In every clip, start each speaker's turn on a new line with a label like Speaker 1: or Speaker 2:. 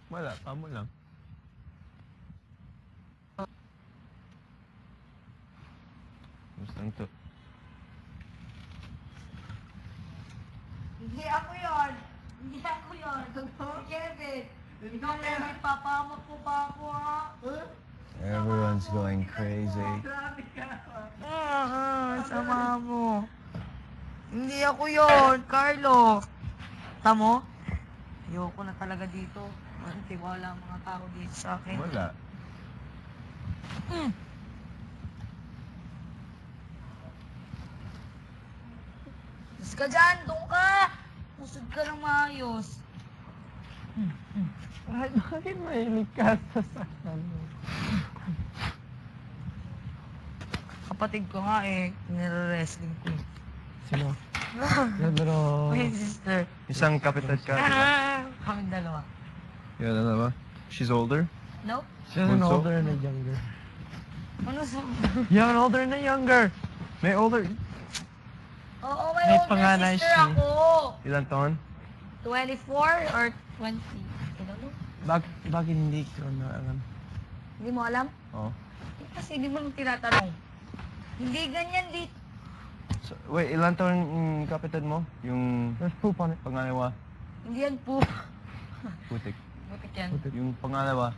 Speaker 1: Wala, pamo lang. Gusto to.
Speaker 2: Hindi ako yun. Hindi ako yun. Si Kevin. Ikaw na may papamak po ba ako, ha?
Speaker 1: Everyone's going crazy.
Speaker 2: Grabe ka. Sama mo. Hindi ako yun, Carlo. Tamo? Ayoko na talaga dito. Walang tiwala ang mga tao dito sa akin.
Speaker 1: Wala.
Speaker 2: Mas ka dyan, doon ka! Musod ka ng maayos.
Speaker 1: Bakit mahilig ka sa saktan mo?
Speaker 2: Kapatid ko nga eh, nire-wrestling ko.
Speaker 1: Sino? Pero...
Speaker 2: My sister.
Speaker 1: Isang kapitad ka, di ba?
Speaker 2: Kami dalawa.
Speaker 1: Yun, ano ba? She's older?
Speaker 2: Nope.
Speaker 1: She's an older
Speaker 3: and a younger.
Speaker 2: Ano sa...
Speaker 1: You have an older and a younger. May older...
Speaker 2: Oo, may
Speaker 3: May
Speaker 2: older
Speaker 3: panganay
Speaker 2: sister
Speaker 3: siya.
Speaker 2: ako.
Speaker 1: Ilan taon?
Speaker 2: 24 or 20. I don't know.
Speaker 3: Bakit hindi ko na alam?
Speaker 2: Hindi mo alam?
Speaker 1: Oo.
Speaker 2: Kasi hindi mo nang tinatanong. Hindi ganyan dito.
Speaker 1: So, wait, ilan taon yung kapitad mo? Yung
Speaker 3: There's poop on it.
Speaker 1: pangalawa?
Speaker 2: Hindi yan po.
Speaker 1: Putik.
Speaker 2: Butik yan.
Speaker 1: Yung pangalawa?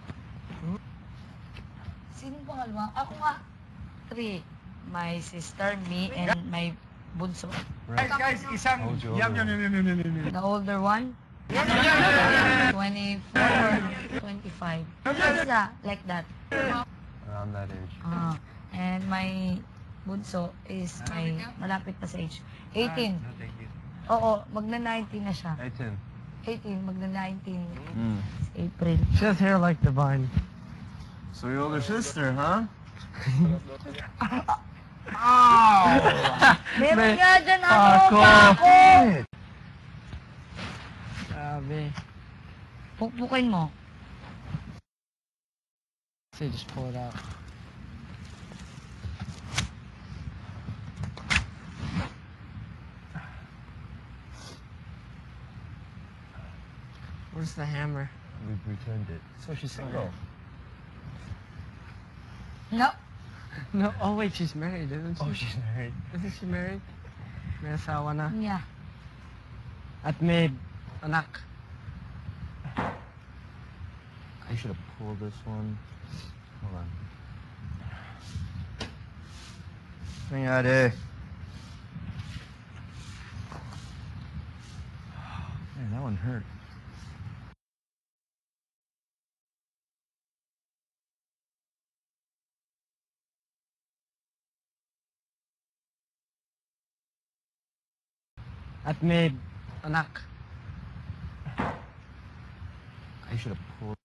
Speaker 2: Sino pangalawa? Ako nga. 3. My sister, me, and my bunso.
Speaker 1: Right.
Speaker 3: Guys, isang...
Speaker 1: Hold you
Speaker 3: Yum,
Speaker 1: over.
Speaker 3: yum.
Speaker 2: The older one? 24 or 25. Isa, like that.
Speaker 1: Around that age.
Speaker 2: And my bunso is my malapit pa sa age. 18.
Speaker 1: No, thank you.
Speaker 2: Oo, magna-19 na siya.
Speaker 1: 18.
Speaker 2: 18, magna-19.
Speaker 1: Mm.
Speaker 2: April.
Speaker 3: She has hair like Divine.
Speaker 1: So your older sister, huh?
Speaker 2: Meron nga dyan ako,
Speaker 3: Ako.
Speaker 2: ako!
Speaker 3: Grabe.
Speaker 2: Pukpukin mo.
Speaker 3: Say, just pull it out. Where's the hammer?
Speaker 1: We've returned it.
Speaker 3: So she's
Speaker 1: Go.
Speaker 3: single.
Speaker 2: No.
Speaker 3: No, oh wait, she's married, isn't she?
Speaker 1: Oh, she's married.
Speaker 3: Isn't she married? May asawa na.
Speaker 2: Yeah.
Speaker 3: At may anak.
Speaker 1: I should have pulled this one. Hold on. Nangyari. Man, that one hurt.
Speaker 3: At may anak.
Speaker 1: I should have pulled.